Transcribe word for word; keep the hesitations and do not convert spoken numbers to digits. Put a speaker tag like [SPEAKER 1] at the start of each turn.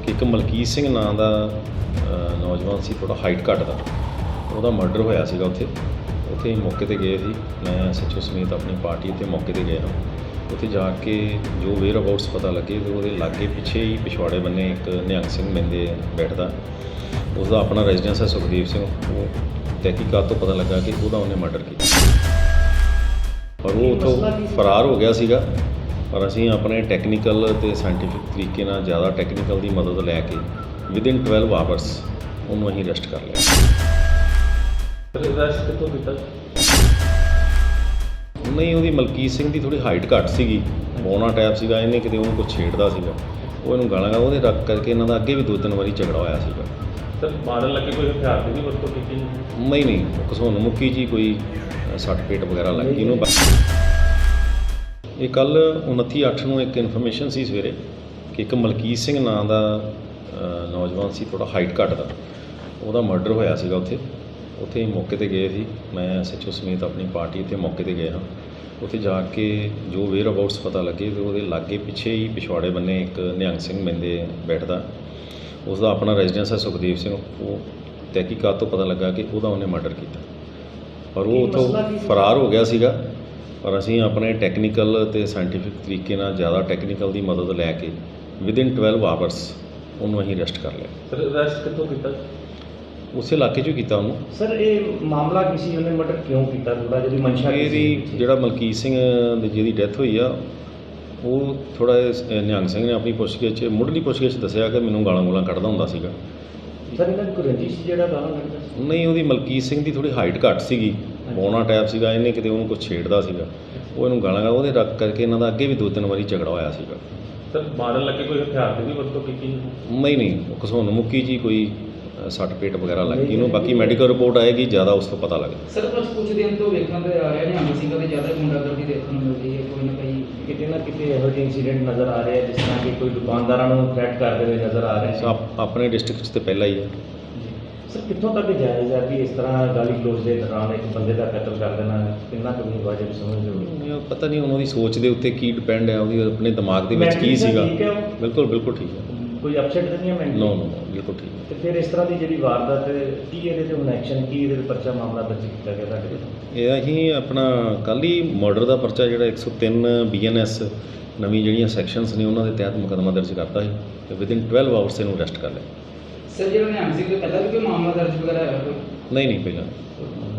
[SPEAKER 1] ਕਿ ਇੱਕ ਮਲਕੀਤ ਸਿੰਘ ਨਾਂ ਦਾ ਅ, ਨੌਜਵਾਨ ਸੀ, ਥੋੜ੍ਹਾ ਹਾਈਟ ਘੱਟ ਦਾ, ਉਹਦਾ ਮਰਡਰ ਹੋਇਆ ਸੀਗਾ ਉੱਥੇ ਉੱਥੇ ਅਸੀਂ ਮੌਕੇ 'ਤੇ ਗਏ ਸੀ। ਮੈਂ ਐਸ ਐਚ ਓ ਸਮੇਤ ਆਪਣੀ ਪਾਰਟੀ ਉੱਥੇ ਮੌਕੇ 'ਤੇ ਗਏ ਹਾਂ। ਉੱਥੇ ਜਾ ਕੇ ਜੋ ਵੇਅਰ ਅਬਾਊਟਸ ਪਤਾ ਲੱਗੇ ਤੇ ਉਹਦੇ ਲਾਗੇ ਪਿੱਛੇ ਹੀ ਪਿਛਵਾੜੇ ਬੰਨੇ ਇੱਕ ਨਿਹੰਗ ਸਿੰਘ ਬੰਦੇ ਬੈਠਦਾ, ਉਸਦਾ ਆਪਣਾ ਰੈਜ਼ੀਡੈਂਸ ਹੈ ਸੁਖਦੀਪ ਸਿੰਘ। ਉਹ ਤਹਿਕੀਕਾਤ ਤੋਂ ਪਤਾ ਲੱਗਾ ਕਿ ਉਹਦਾ ਉਹਨੇ ਮਰਡਰ ਕੀਤਾ, ਪਰ ਉਹ ਉੱਥੋਂ ਫਰਾਰ ਹੋ ਗਿਆ ਸੀਗਾ। ਪਰ ਅਸੀਂ ਆਪਣੇ ਟੈਕਨੀਕਲ ਅਤੇ ਸਾਇੰਟੀਫਿਕ ਤਰੀਕੇ ਨਾਲ ਜ਼ਿਆਦਾ ਟੈਕਨੀਕਲ ਦੀ ਮਦਦ ਲੈ ਕੇ ਵਿਦਿਨ ਟਵੈਲਵ ਆਵਰਸ ਉਹਨੂੰ ਅਸੀਂ ਅਰੈਸਟ ਕਰ ਲਿਆ।
[SPEAKER 2] ਅਰੈਸਟ ਕਿੱਥੋਂ ਕੀਤਾ?
[SPEAKER 1] ਨਹੀਂ, ਉਹਦੀ ਮਲਕੀਤ ਸਿੰਘ ਦੀ ਥੋੜ੍ਹੀ ਹਾਈਟ ਘੱਟ ਸੀਗੀ, ਬੌਣਾ ਟਾਈਪ ਸੀਗਾ, ਇਹਨੇ ਕਿਤੇ ਉਹਨੂੰ ਕੁਛ ਛੇੜਦਾ ਸੀਗਾ, ਉਹ ਇਹਨੂੰ ਗਾਲਾਂ ਗਾ ਉਹਦੇ ਰੱਖ ਕਰਕੇ ਇਹਨਾਂ ਦਾ ਅੱਗੇ ਵੀ ਦੋ ਤਿੰਨ ਵਾਰੀ ਝਗੜਾ ਹੋਇਆ ਸੀਗਾ।
[SPEAKER 2] ਸਰ ਮਾਰਨ ਲੱਗੇ ਕੋਈ ਹਥਿਆਰ ਦੀ ਵੀ ਵਰਤੋਂ ਕੀਤੀ?
[SPEAKER 1] ਨਹੀਂ ਨਹੀਂ ਘਸੁੰਨ ਮੁੱਕੀ ਜੀ ਕੋਈ ਸੱਟ ਪੇਟ ਵਗੈਰਾ ਲੱਗੀ ਉਹਨੂੰ। ਇਹ ਕੱਲ੍ਹ ਉਨੱਤੀ ਅੱਠ ਨੂੰ ਇੱਕ ਇਨਫੋਰਮੇਸ਼ਨ ਸੀ ਸਵੇਰੇ ਕਿ ਇੱਕ ਮਲਕੀਤ ਸਿੰਘ ਨਾਂ ਦਾ ਅ, ਨੌਜਵਾਨ ਸੀ, ਥੋੜ੍ਹਾ ਹਾਈਟ ਘੱਟ ਦਾ, ਉਹਦਾ ਮਰਡਰ ਹੋਇਆ ਸੀਗਾ ਉੱਥੇ ਉੱਥੇ ਅਸੀਂ ਮੌਕੇ 'ਤੇ ਗਏ ਸੀ। ਮੈਂ ਐਸ ਐਚ ਓ ਸਮੇਤ ਆਪਣੀ ਪਾਰਟੀ ਉੱਥੇ ਮੌਕੇ 'ਤੇ ਗਏ ਹਾਂ। ਉੱਥੇ ਜਾ ਕੇ ਜੋ ਵੇਅਰ ਅਬਾਊਟਸ ਪਤਾ ਲੱਗੇ ਤੇ ਉਹਦੇ ਲਾਗੇ ਪਿੱਛੇ ਹੀ ਪਿਛਵਾੜੇ ਬੰਨੇ ਇੱਕ ਨਿਹੰਗ ਸਿੰਘ ਬੰਦੇ ਬੈਠਦਾ, ਉਸਦਾ ਆਪਣਾ ਰੈਜ਼ੀਡੈਂਸ ਹੈ ਸੁਖਦੀਪ ਸਿੰਘ। ਉਹ ਤਹਿਕੀਕਾਤ ਤੋਂ ਪਤਾ ਲੱਗਾ ਕਿ ਉਹਦਾ ਉਹਨੇ ਮਰਡਰ ਕੀਤਾ, ਪਰ ਉਹ ਉੱਥੋਂ ਫਰਾਰ ਹੋ ਗਿਆ ਸੀਗਾ। ਪਰ ਅਸੀਂ ਆਪਣੇ ਟੈਕਨੀਕਲ ਅਤੇ ਸਾਇੰਟੀਫਿਕ ਤਰੀਕੇ ਨਾਲ ਜ਼ਿਆਦਾ ਟੈਕਨੀਕਲ ਦੀ ਮਦਦ ਲੈ ਕੇ ਵਿਦਿਨ ਟਵੈਲਵ ਆਵਰਸ ਉਹਨੂੰ ਅਸੀਂ ਅਰੈਸਟ ਕਰ ਲਿਆ।
[SPEAKER 2] ਸਰ ਅਰੈਸਟ ਕਿੱਥੋਂ ਕੀਤਾ?
[SPEAKER 1] ਉਸੇ ਇਲਾਕੇ 'ਚੋਂ ਕੀਤਾ ਉਹਨੂੰ।
[SPEAKER 3] ਸਰ ਇਹ ਮਾਮਲਾ ਕੀ ਸੀ, ਉਹਨੇ ਮਰਡਰ ਕਿਉਂ ਕੀਤਾ? ਥੋੜਾ ਜਿਹੀ ਮਨਸ਼ਾ ਕੀ ਸੀ?
[SPEAKER 1] ਇਹਦੀ ਜਿਹੜਾ ਮਲਕੀਤ ਸਿੰਘ ਦੀ ਜਿਹਦੀ ਡੈਥ ਹੋਈ ਆ, ਉਹ ਥੋੜ੍ਹਾ ਜਿਹਾ ਨਿਹੰਗ ਸਿੰਘ ਨੇ ਆਪਣੀ ਪੁੱਛਗਿੱਛ 'ਚ ਮੁੱਢਲੀ ਪੁੱਛਗਿੱਛ 'ਚ ਦੱਸਿਆ ਕਿ ਮੈਨੂੰ ਗਾਲਾਂ ਗੂਲਾਂ ਕੱਢਦਾ ਹੁੰਦਾ ਸੀਗਾ।
[SPEAKER 3] ਸਰ ਇਹਨਾਂ ਦੀ ਕੋਈ ਰੰਜਿਸ਼ ਸੀ ਜਿਹੜਾ ਗਾਲਾਂ ਕੱਢਦਾ ਸੀ?
[SPEAKER 1] ਨਹੀਂ, ਉਹਦੀ ਮਲਕੀਤ ਸਿੰਘ ਦੀ ਥੋੜ੍ਹੀ ਹਾਈਟ ਘੱਟ ਸੀਗੀ, ਬੌਣਾ ਟਾਈਪ ਸੀਗਾ, ਇਹਨੇ ਕਿਤੇ ਉਹਨੂੰ ਕੁਛ ਛੇੜਦਾ ਸੀਗਾ, ਉਹ ਇਹਨੂੰ ਗਾਲਾਂ ਗਾ ਉਹਦੇ ਰੱਖ ਕਰਕੇ ਇਹਨਾਂ ਦਾ ਅੱਗੇ ਵੀ ਦੋ ਤਿੰਨ ਵਾਰੀ ਝਗੜਾ ਹੋਇਆ ਸੀਗਾ।
[SPEAKER 2] ਸਰ ਮਾਰਨ ਲੱਗੇ ਕੋਈ ਹਥਿਆਰ ਦੀ ਵੀ ਵਰਤੋਂ ਕੀਤੀ?
[SPEAKER 1] ਨਹੀਂ ਨਹੀਂ ਘਸੁੰਨ ਮੁੱਕੀ ਜੀ ਕੋਈ ਅ, ਸੱਟ ਪੇਟ ਵਗੈਰਾ ਲੱਗੀ ਉਹਨੂੰ। ਬਾਕੀ ਮੈਡੀਕਲ ਰਿਪੋਰਟ ਆਏਗੀ, ਜ਼ਿਆਦਾ ਉਸ ਤੋਂ ਪਤਾ ਲੱਗੇ।
[SPEAKER 4] ਸਰ ਬਸ ਕੁਝ ਦਿਨ ਤੋਂ ਵੇਖਣ ਤੇ ਆ ਰਿਹਾ ਨਿਹੰਗ ਸਿੰਘਾਂ ਦੇ ਜ਼ਿਆਦਾ ਗੁੰਡਾਗਰਦੀ ਦੇਖਣ ਨੂੰ ਮਿਲਦੀ ਹੈ, ਕੋਈ ਨਾ ਕੋਈ
[SPEAKER 3] ਕਿਤੇ ਨਾ ਕਿਤੇ ਇਹੋ ਜਿਹੇ ਇੰਸੀਡੈਂਟ ਨਜ਼ਰ ਆ ਰਹੇ ਆ, ਜਿਸ ਤਰ੍ਹਾਂ ਕਿ ਕੋਈ ਦੁਕਾਨਦਾਰਾਂ ਨੂੰ ਥ੍ਰੈਟ ਕਰਦੇ ਹੋਏ ਨਜ਼ਰ ਆ ਰਹੇ
[SPEAKER 1] ਸੋ ਆਪ- ਆਪਣੇ ਡਿਸਟ੍ਰਿਕਟ 'ਚ ਤਾਂ ਪਹਿਲਾਂ ਹੀ ਹੈ।
[SPEAKER 3] ਸਰ ਕਿੱਥੋਂ ਤੱਕ ਜਾਇਜ਼ ਹੈ ਕਿ ਇਸ ਤਰ੍ਹਾਂ ਗਾਲੀ ਗਲੋਚ ਦੇ ਦੌਰਾਨ ਇੱਕ ਬੰਦੇ ਦਾ ਕਤਲ ਕਰ ਦੇਣਾ ਕਿੰਨਾ ਕੁ ਨਹੀਂ ਵਾਜਬ ਸਮਝਦੇ ਹੋ?
[SPEAKER 1] ਇਹ ਪਤਾ ਨਹੀਂ ਉਹਨਾਂ ਦੀ ਸੋਚ ਦੇ ਉੱਤੇ ਕੀ ਡਿਪੈਂਡ ਹੈ, ਉਹਦੀ ਆਪਣੇ ਦਿਮਾਗ ਦੇ ਵਿੱਚ ਕੀ
[SPEAKER 3] Mentally ਤਾਂ
[SPEAKER 1] ਸੀਗਾ।
[SPEAKER 3] ਠੀਕ ਹੈ ਉਹ?
[SPEAKER 1] ਬਿਲਕੁਲ ਬਿਲਕੁਲ ਠੀਕ ਹੈ।
[SPEAKER 3] ਕੋਈ ਅਪਸੈਟ ਤਾਂ ਨਹੀਂ ਹੈ ਮੈਂਟਲੀ?
[SPEAKER 1] ਨੋ ਨੋ ਬਿਲਕੁਲ ਠੀਕ ਹੈ।
[SPEAKER 3] ਤੇ ਫਿਰ ਇਸ ਤਰ੍ਹਾਂ ਦੀ ਜਿਹੜੀ ਵਾਰਦਾਤ ਹੈ, ਕੀ ਇਹਦੇ ਤੇ ਹੁਣ ਐਕਸ਼ਨ, ਕੀ ਇਹਦੇ ਤੇ ਪਰਚਾ ਮਾਮਲਾ ਦਰਜ ਕੀਤਾ ਗਿਆ ਤੁਹਾਡੇ ਕੋਲ?
[SPEAKER 1] ਇਹ ਅਸੀਂ ਆਪਣਾ ਕੱਲ੍ਹ ਹੀ ਮਰਡਰ ਦਾ ਪਰਚਾ ਜਿਹੜਾ ਇੱਕ ਸੌ ਤਿੰਨ ਬੀ ਐਨ ਐਸ ਨਵੀਂ ਜਿਹੜੀਆਂ ਸੈਕਸ਼ਨਸ ਨੇ ਉਹਨਾਂ ਦੇ ਤਹਿਤ ਮੁਕੱਦਮਾ ਦਰਜ ਕਰਤਾ ਸੀ ਤੇ ਵਿਦਿਨ ਟਵੈਲਵ ਆਵਰਸ ਇਹਨੂੰ ਅਰੈਸਟ ਕਰ ਲਿਆ।
[SPEAKER 4] ਸਰ ਜਿਹੜਾ ਨਿਹੰਗ ਸਿੰਘ ਦੇ ਪਹਿਲਾਂ ਵੀ ਕੋਈ ਮਾਮਲਾ ਦਰਜ ਵਗੈਰਾ ਹੈ ਕੋਈ?
[SPEAKER 1] ਨਹੀਂ ਨਹੀਂ ਪਹਿਲਾਂ